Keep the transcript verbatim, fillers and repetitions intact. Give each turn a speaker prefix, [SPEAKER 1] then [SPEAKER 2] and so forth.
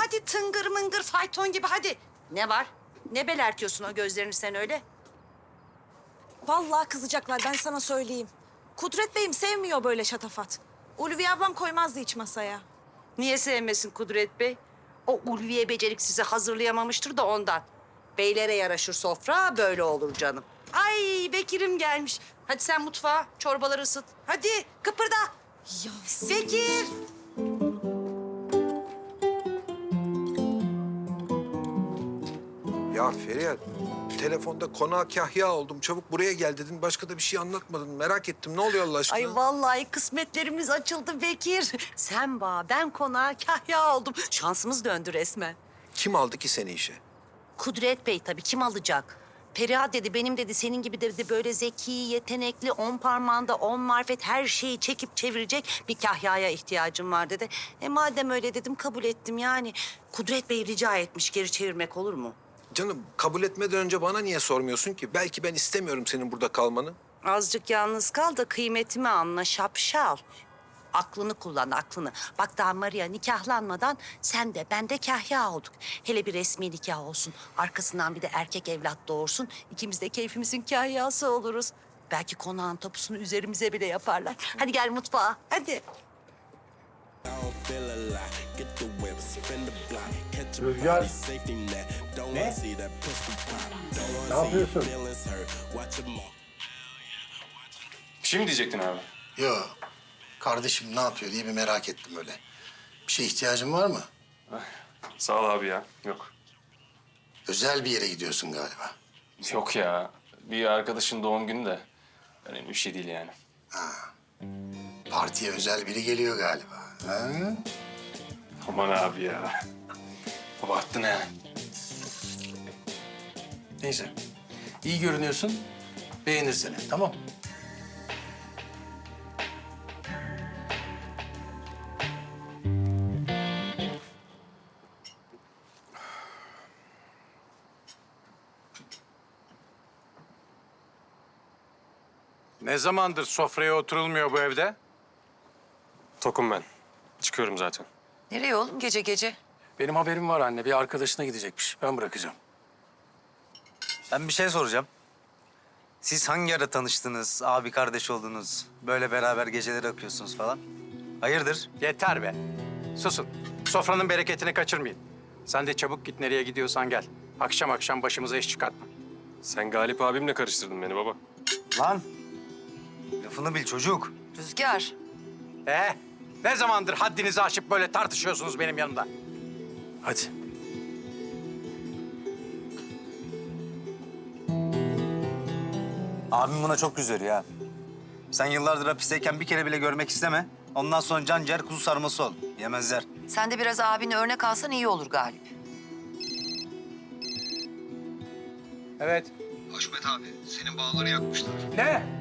[SPEAKER 1] hadi tıngır mıngır fayton gibi hadi. Ne var? Ne belertiyorsun o gözlerini sen öyle?
[SPEAKER 2] Vallahi kızacaklar, ben sana söyleyeyim. Kudret Bey'im sevmiyor böyle şatafat. Ulviye ablam koymazdı hiç masaya.
[SPEAKER 1] Niye sevmesin Kudret Bey? O ulviye beceriksizi hazırlayamamıştır da ondan. Beylere yaraşır sofra, böyle olur canım. Ay Bekir'im gelmiş. Hadi sen mutfağa, çorbaları ısıt. Hadi kıpırda.
[SPEAKER 2] Ya
[SPEAKER 1] Bekir.
[SPEAKER 3] Ya Feriha, telefonda konağa kahya oldum. Çabuk buraya gel dedin. Başka da bir şey anlatmadın. Merak ettim. Ne oluyor Allah aşkına?
[SPEAKER 1] Ay vallahi kısmetlerimiz açıldı Bekir. Sen bağ, ben konağa kahya oldum. Şansımız döndü resmen.
[SPEAKER 3] Kim aldı ki seni işe?
[SPEAKER 1] Kudret Bey tabii kim alacak? Periha dedi, benim dedi senin gibi dedi böyle zeki, yetenekli, on parmağında on marifet her şeyi çekip çevirecek bir kahyaya ihtiyacım var dedi. E madem öyle dedim kabul ettim yani. Kudret Bey rica etmiş, geri çevirmek olur mu?
[SPEAKER 3] Canım kabul etmeden önce bana niye sormuyorsun ki? Belki ben istemiyorum senin burada kalmanı.
[SPEAKER 1] Azıcık yalnız kal da kıymetimi anla şapşal. Aklını kullan, aklını. Bak daha Maria nikahlanmadan sen de ben de kahya olduk. Hele bir resmi nikah olsun. Arkasından bir de erkek evlat doğursun. İkimiz de keyfimizin kahyası oluruz. Belki konağın tapusunu üzerimize bile yaparlar. Hadi gel mutfağa, hadi.
[SPEAKER 4] Rüzgar. Ne? Ne yapıyorsun?
[SPEAKER 5] Bir şey mi diyecektin abi?
[SPEAKER 4] Yo. Kardeşim ne yapıyor diye bir merak ettim öyle. Bir şeye ihtiyacın var mı?
[SPEAKER 5] Sağ ol abi ya. Yok.
[SPEAKER 4] Özel bir yere gidiyorsun galiba.
[SPEAKER 5] Yok ya. Bir arkadaşın doğum günü de. Önemli bir şey değil yani.
[SPEAKER 4] Partiye özel biri geliyor galiba. Ha?
[SPEAKER 5] Aman abi ya. Abarttın ha.
[SPEAKER 4] Neyse. İyi görünüyorsun. Beğenir seni. Tamam.
[SPEAKER 6] Ne zamandır sofraya oturulmuyor bu evde?
[SPEAKER 5] Tokum ben. Çıkıyorum zaten.
[SPEAKER 1] Nereye oğlum gece gece?
[SPEAKER 4] Benim haberim var anne. Bir arkadaşına gidecekmiş. Ben bırakacağım.
[SPEAKER 7] Ben bir şey soracağım. Siz hangi ara tanıştınız, abi kardeş oldunuz, böyle beraber geceleri akıyorsunuz falan? Hayırdır?
[SPEAKER 6] Yeter be. Susun. Sofranın bereketini kaçırmayın. Sen de çabuk git nereye gidiyorsan gel. Akşam akşam başımıza iş çıkartma.
[SPEAKER 5] Sen Galip abimle karıştırdın beni baba.
[SPEAKER 7] Lan! Lafını bil çocuk.
[SPEAKER 1] Rüzgar.
[SPEAKER 6] Ee, ne zamandır haddinizi aşıp böyle tartışıyorsunuz benim yanımda?
[SPEAKER 4] Hadi.
[SPEAKER 7] Abim buna çok üzülüyor ha. Sen yıllardır hapisteyken bir kere bile görmek isteme. Ondan sonra can ciğer kuzu sarması ol. Yemezler.
[SPEAKER 8] Sen de biraz abini örnek alsan iyi olur Galip.
[SPEAKER 6] Evet.
[SPEAKER 7] Haşmet abi, senin bağları yakmışlar.
[SPEAKER 6] Ne?